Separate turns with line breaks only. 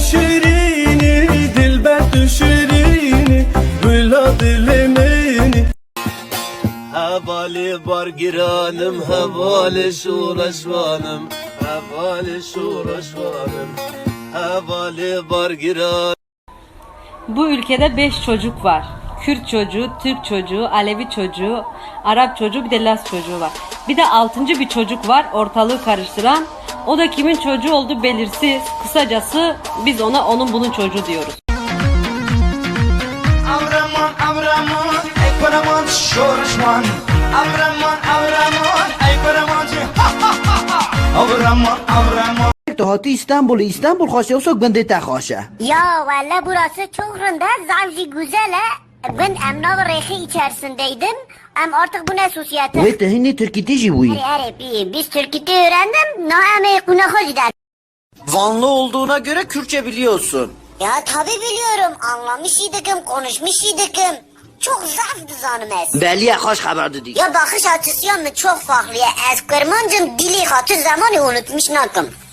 شیرینی دلبر تو شیرینی گلا دل منی Havali bargiranım havali şuraşvanım havali şuraşvanım havali bargiranım.
Bu ülkede 5 çocuk var. Kürt çocuğu, Türk çocuğu, Alevi çocuğu, Arap çocuğu, bir de Laz çocuğu var. Bir de 6. bir çocuk var ortalığı karıştıran. O da kimin çocuğu olduğu belirsiz. Kısacası biz ona onun bunun çocuğu diyoruz.
Avraman avraman ey paraman şorşman Avraman avraman ey paraman Avraman avraman
هاتی İstanbul خواسته و سوک بنده تخواشه
Ya valla burası çok rında, zavji güzel ha. Ben emnav rehi içerisindeydim. Artık bu ne sosyete?
و تهینی ترکی تیجی بویی
Biz Türkçe öğrendim. Naame kuna gider.
Vanlı olduğuna göre Kürtçe biliyorsun.
Ya tabi biliyorum. Anlamış idikim, konuşmuş idikim. Çok zafdı zanımız.
بله خوش خبر دادی
Ya bakış açısı yanı çok farklı. Eskırmancım dili katı zamanı unutmuş nakım.